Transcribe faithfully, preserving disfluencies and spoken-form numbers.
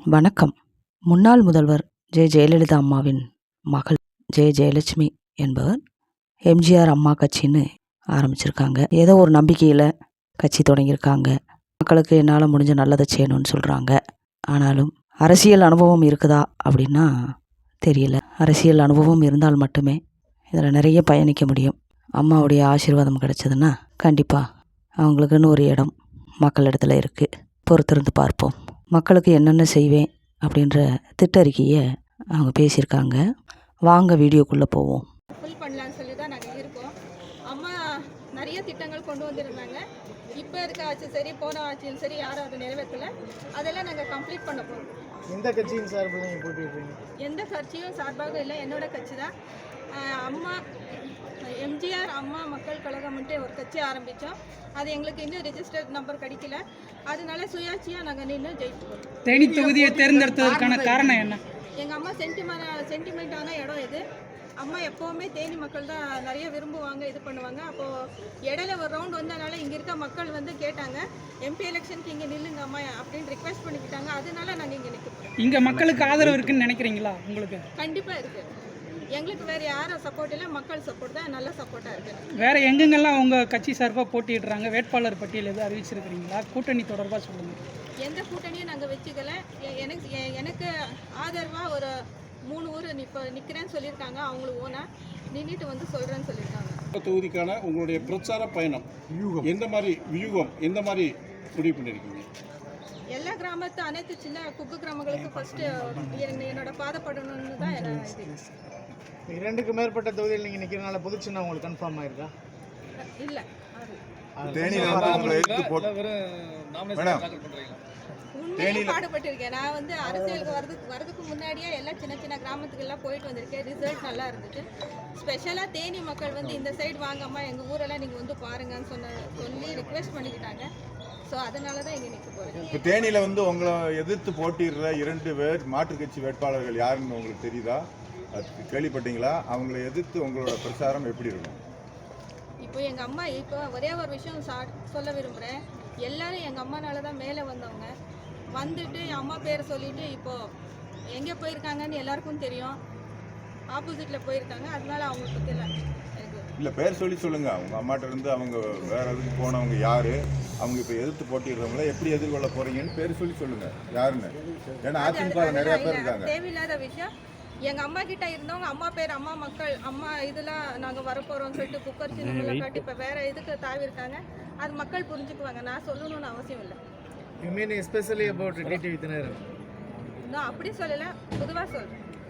வணக்கம். முன்னாள் முதல்வர் ஜெ ஜெயலலிதா அம்மாவின் மகள் ஜெ ஜெயலட்சுமி என்பவர் எம்ஜிஆர் அம்மா கட்சின்னு ஆரம்பிச்சிருக்காங்க. ஏதோ ஒரு நம்பிக்கையில் கட்சி தொடங்கியிருக்காங்க. மக்களுக்கு என்னால் முடிஞ்ச நல்லதை செய்யணும்னு சொல்கிறாங்க. ஆனாலும் அரசியல் அனுபவம் இருக்குதா அப்படின்னா தெரியல. அரசியல் அனுபவம் இருந்தால் மட்டுமே இதில் நிறைய பயணிக்க முடியும். அம்மாவுடைய ஆசீர்வாதம் கிடைச்சதுன்னா கண்டிப்பாக அவங்களுக்குன்னு ஒரு இடம் மக்களிடத்தில் இருக்குது. பொறுத்திருந்து பார்ப்போம். மக்களுக்கு என்னென்ன செய்வேன் அப்படின்ற திட்டறிக்கையை அவங்க பேசியிருக்காங்க. வாங்க வீடியோக்குள்ளே போவோம். ஃபுல் பண்ணலான்னு சொல்லி தான் நாங்கள் இருக்கோம். அம்மா நிறைய திட்டங்கள் கொண்டு வந்திருந்தாங்க. இப்போ இருக்க ஆட்சி சரி, போன ஆட்சியும் சரி, யாரும் அதை நிறைவேற்றலை. அதெல்லாம் நாங்கள் கம்ப்ளீட் பண்ண போகிறோம். எந்த கட்சியின் சார்பில் நீங்கள் போட்டிடுறீங்க? எந்த கட்சியும் சார்பாக இல்லை, என்னோட கட்சி தான். அம்மா எம்ஜிஆர் அம்மா மக்கள் கழகம்ன்ட்டு ஒரு கட்சி ஆரம்பித்தோம். அது எங்களுக்கு இன்னும் ரிஜிஸ்டர்ட் நம்பர் கிடைக்கல. அதனால சுயாட்சியாக நாங்கள் நின்று ஜெயிச்சுக்கிறோம். தேனி தொகுதியை தேர்ந்தெடுத்ததற்கான காரணம் என்ன? எங்கள் அம்மா சென்டிமெண்ட் சென்டிமெண்ட்டான இடம் இது. அம்மா எப்போவுமே தேனி மக்கள் தான் நிறைய விரும்புவாங்க, இது பண்ணுவாங்க. அப்போது இடையில ஒரு ரவுண்ட் வந்தனால இங்கே இருக்க மக்கள் வந்து கேட்டாங்க, எம்பி எலெக்ஷனுக்கு இங்கே நில்லுங்க அம்மா அப்படின்னு ரிக்வெஸ்ட் பண்ணிக்கிட்டாங்க. அதனால நாங்கள் இங்கே நிற்கிறோம். இங்கே மக்களுக்கு ஆதரவு இருக்குன்னு நினைக்கிறீங்களா? உங்களுக்கு கண்டிப்பாக இருக்குது. எங்களுக்கு வேறு யாரும் சப்போர்ட் இல்லை, மக்கள் சப்போர்ட் தான் நல்ல சப்போர்ட்டாக இருக்குது. வேறு எங்கெங்கெல்லாம் உங்கள் கட்சி சார்பாக போட்டிடுறாங்க? வேட்பாளர் பட்டியல் எதுவும் அறிவிச்சிருக்கிறீங்களா? கூட்டணி தொடர்பாக சொல்லுங்கள். எந்த கூட்டணியும் நாங்கள் வச்சுக்கல. எனக்கு எனக்கு ஆதரவாக ஒரு மூணு ஊர் இப்போ நிற்கிறேன்னு சொல்லியிருக்காங்க. அவங்களுக்கு ஓனா நின்றுட்டு வந்து சொல்கிறேன்னு சொல்லியிருக்காங்க. தொகுதிக்கான உங்களுடைய பிரச்சார பயணம் எந்த மாதிரி வியூகம் எந்த மாதிரி முடிவு பண்ணியிருக்கீங்க? எல்லா கிராமத்து அனைத்து சின்ன குக்கு கிராமங்களுக்கு ஃபஸ்ட்டு என்னோட பாதப்படணும்னு தான் இது. இரண்டுக்கு மேற்பட்ட தொகுதியில் நீங்கள் நிற்கிறனால பொது சின்னம் உங்களுக்கு கன்ஃபார்ம் ஆயிருக்கா? இல்லை. உண்மையாக பாடுபட்டிருக்கேன். நான் வந்து அரசியலுக்கு வரதுக்கு வரதுக்கு முன்னாடியே எல்லாம் சின்ன சின்ன கிராமத்துக்கெல்லாம் போயிட்டு வந்திருக்கேன். ரிசல்ட் நல்லா இருந்துச்சு. ஸ்பெஷலாக தேனி மக்கள் வந்து இந்த சைடு வாங்கம்மா, எங்கள் ஊரெல்லாம் நீங்கள் வந்து பாருங்கன்னு சொன்ன சொல்லி ரிக்வெஸ்ட் பண்ணிக்கிட்டாங்க. ஸோ அதனால தான் இங்கே நிற்க போகிறேன். இப்போ தேனியில் வந்து உங்களை எதிர்த்து போட்டிடுற இரண்டு பேர் மாற்றுக் கட்சி வேட்பாளர்கள் யாருன்னு உங்களுக்கு தெரியுதா? அது கேள்விப்பட்டீங்களா? அவங்களை எதிர்த்து உங்களோட பிரச்சாரம் எப்படி இருக்கும்? இப்போ எங்கள் அம்மா இப்போ ஒரே ஒரு விஷயம் சா சொல்ல விரும்புகிறேன். எல்லோரும் எங்கள் அம்மானால தான் மேலே வந்தவங்க. வந்துட்டு என் அம்மா பேரை சொல்லிவிட்டு இப்போது எங்கே போயிருக்காங்கன்னு எல்லாருக்கும் தெரியும். ஆப்போசிட்டில் போயிருக்காங்க. அதனால அவங்களுக்கு பற்றில இல்லை, பேர் சொல்லி சொல்லுங்கள். அவங்க அம்மாட்ட இருந்து அவங்க வேறு எதுக்கு போனவங்க யார், அவங்க இப்போ எதிர்த்து போட்டிடுறவங்கள எப்படி எதிர்கொள்ள போகிறீங்கன்னு பேர் சொல்லி சொல்லுங்கள் யாருன்னு. ஏன்னா அதிமுக நிறையா பேர் இருக்காங்க. தேவையில்லாத விஷயம். எங்கள் அம்மா கிட்ட இருந்தவங்க அம்மா பேர் அம்மா மக்கள் அம்மா இதெல்லாம் நாங்கள் வரப்போகிறோம்னு சொல்லிட்டு குக்கர் சின்னங்களை காட்டி இப்போ வேறு இதுக்கு தாவி இருக்காங்க. அது மக்கள் புரிஞ்சுக்குவாங்க. நான் சொல்லணும்னு அவசியம் இல்லை. You mean especially about TTV Dhinakaran? நான் அப்படி சொல்லலை, பொதுவாக சொல்கிறேன்.